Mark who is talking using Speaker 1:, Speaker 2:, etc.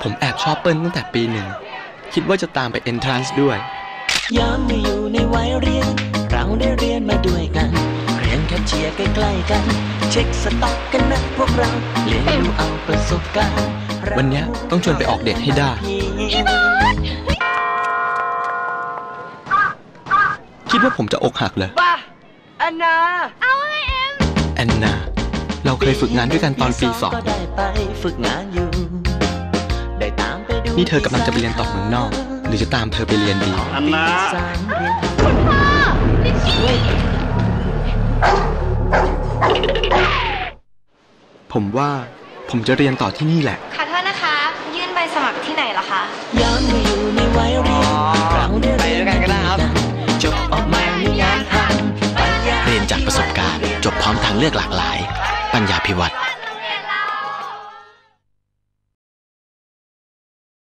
Speaker 1: ผมแอบชอบเปิ้ลตั้งแต่ปีหนึ่งคิดว่าจะตามไปเอนทรานซ์ด้วย
Speaker 2: ย้ำไม่อยู่ในวัยเรียนเราได้เรียนมาด้วยกันเรียนแค่เชียร์ใกล้ๆกันเช็คสต็อกกันนะพวกเราเรียนรู้เอาประสบการณ์
Speaker 1: วันนี้ต้องชวนไปออกเดทให้ได้คิดว่าผมจะอกหักเลย
Speaker 3: บ้าแอนนา
Speaker 4: เอาไง
Speaker 1: แอนนาเราเคยฝึกงานด้วยกันตอนปี2นี่เธอกำลังจะไปเรียนต่อเมืองนอกหรือจะตามเธอไปเรียนดี
Speaker 3: แอนนา
Speaker 4: คุณพ่อ
Speaker 1: ผมว่าผมจะเรียนต่อที่นี่แหละ
Speaker 4: ขอโทษนะคะยื่นใบสมัครที่ไหนเหรอคะ
Speaker 2: ย้อนมาอยู่ในวัยเรียนเราได้เรียนกันก็ได้ครับจบออกมามีงานทำเรียนจากประสบการณ์จบพร้อมทางเลือกหลากหลายปัญญาภิวัฒน์